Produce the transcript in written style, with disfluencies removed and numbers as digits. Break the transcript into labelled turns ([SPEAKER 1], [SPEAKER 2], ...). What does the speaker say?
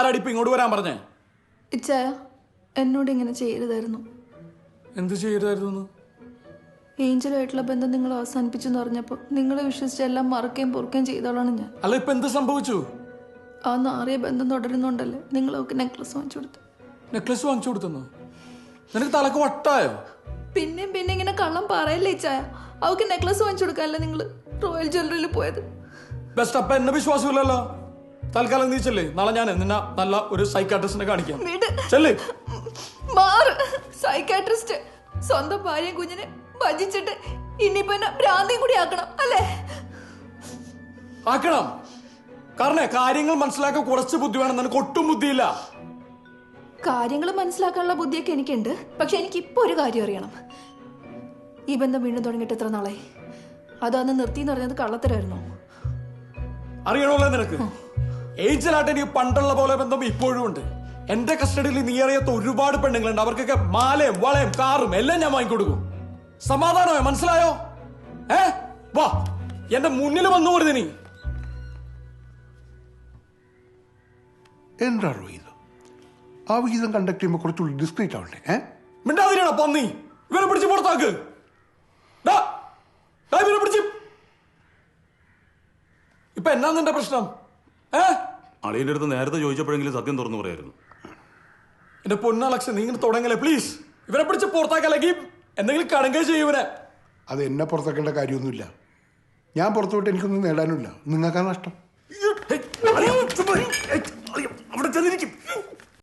[SPEAKER 1] എന്നിട്ടാടി ഇപ്പൊ ഇങ്ങോട്ട് വരാൻ പറഞ്ഞേ?
[SPEAKER 2] ഇച്ചായ എന്നോട് ഇങ്ങനെ ചെയ്യരുതായിരുന്നു.
[SPEAKER 1] എന്ത് ചെയ്യരുതായിരുന്നു?
[SPEAKER 2] ഏഞ്ചലുമായിട്ടുള്ള ബന്ധം നിങ്ങൾ അവസാനിപ്പിച്ചെന്ന് പറഞ്ഞപ്പോൾ നിങ്ങളെ വിശ്വസിച്ച് എല്ലാം മറക്കുകയും പൊറുക്കുകയും ചെയ്തോളാണ് ഞാൻ.
[SPEAKER 1] അല്ല ഇപ്പൊ എന്ത് സംഭവിച്ചു?
[SPEAKER 2] ആ നാറിയ ബന്ധം തുടരുന്നുണ്ടല്ലേ നിങ്ങൾ അവൾക്ക് നെക്ലസ് വാങ്ങിച്ചു കൊടുത്തു.
[SPEAKER 1] നെക്ലസ് വാങ്ങിച്ചു കൊടുത്തു? നിനക്ക് തലക്ക് വട്ടായോ?
[SPEAKER 2] പിന്നെയും പിന്നെ ഇങ്ങനെ കള്ളം പറയല്ലേ ഇച്ചായ. അവൾക്ക് നെക്ലസ് വാങ്ങിച്ചു കൊടുക്കാനല്ലേ നിങ്ങൾ റോയൽ ജ്വല്ലറിയിൽ പോയത്?
[SPEAKER 1] ബെസ്റ്റ്. അപ്പൊ എന്നെ വിശ്വാസമില്ലല്ലോ. തൽക്കാലം നീ ചെല്ലേ, നാളെ ഞാൻ നിന്നെ നല്ല ഒരു സൈക്കാട്രിസ്റ്റിനെ കാണിക്കാം. ചെല്ലേ.
[SPEAKER 2] മാറ് സൈക്കാട്രിസ്റ്റ്. സ്വന്തം ഭാര്യയും കുഞ്ഞിനെ ഭജിച്ചിട്ട് ഇനിയിപ്പോ എന്നെ ഭ്രാന്തിയും കൂടി ആക്കണം അല്ലേ?
[SPEAKER 1] ആക്കണം. കാരണം കാര്യങ്ങൾ മനസ്സിലാക്കാൻ കുറച്ച് ബുദ്ധി വേണം. നിനക്ക് ഒട്ടും ബുദ്ധിയില്ല.
[SPEAKER 2] കാര്യങ്ങൾ മനസ്സിലാക്കാനുള്ള ബുദ്ധിയൊക്കെ എനിക്കുണ്ട്. പക്ഷെ എനിക്ക് ഇപ്പൊ ഒരു കാര്യം അറിയണം. ഈ ബന്ധം വീണ്ടും തുടങ്ങിയിട്ട് എത്ര നാളായി? അതൊന്ന് നിർത്തി എന്ന് പറഞ്ഞത് കള്ളത്തരായിരുന്നോ?
[SPEAKER 1] അറിയണമല്ലോ നിനക്ക്. ഏഞ്ചലായിട്ട് എനിക്ക് പണ്ടുള്ള പോലെ ബന്ധം ഇപ്പോഴും ഉണ്ട്. എന്റെ കസ്റ്റഡിയിൽ നീ അറിയാത്ത ഒരുപാട് പെണ്ണുങ്ങളുണ്ട്. അവർക്കൊക്കെ മാലയും വളയും കാറും എല്ലാം ഞാൻ വാങ്ങിക്കൊടുക്കും. സമാധാനമോ? മനസ്സിലായോ? വാ എന്റെ മുന്നിൽ വന്നു പോരുത് നീ.
[SPEAKER 3] എന്താണോ ഇത്? ആ വിഹിതം കണ്ടക്ട് ചെയ്യുമ്പോൾ കുറച്ചുകൂടി ഡിസ്ക്രീറ്റ് ആവണ്ടേ?
[SPEAKER 1] മിണ്ടാതിരിയാണോ പന്നി? ഇവരെ പിടിച്ച് പുറത്താക്ക്. ഇവരെ പിടിച്ച്. ഇപ്പൊ എന്നാ നിന്റെ പ്രശ്നം?
[SPEAKER 4] അളിയന്റെ അടുത്ത് നേരത്തെ ചോദിച്ചപ്പോഴെങ്കിലും സത്യം തുറന്നു പറയായിരുന്നു.
[SPEAKER 1] എന്റെ പൊന്നാലക്ഷൻ നീ ഇങ്ങനെ തുടങ്ങല്ലേ പ്ലീസ്. ഇവരെ പിടിച്ച് പുറത്താക്കല്ലെങ്കിൽ എന്തെങ്കിലും കടങ്കൈ ചെയ്യൂവനെ.
[SPEAKER 3] അത് എന്നെ പുറത്താക്കേണ്ട കാര്യമൊന്നുമില്ല. ഞാൻ പുറത്തുവിട്ട് എനിക്കൊന്നും നേടാനുമില്ല. നിങ്ങൾക്കാ നഷ്ടം.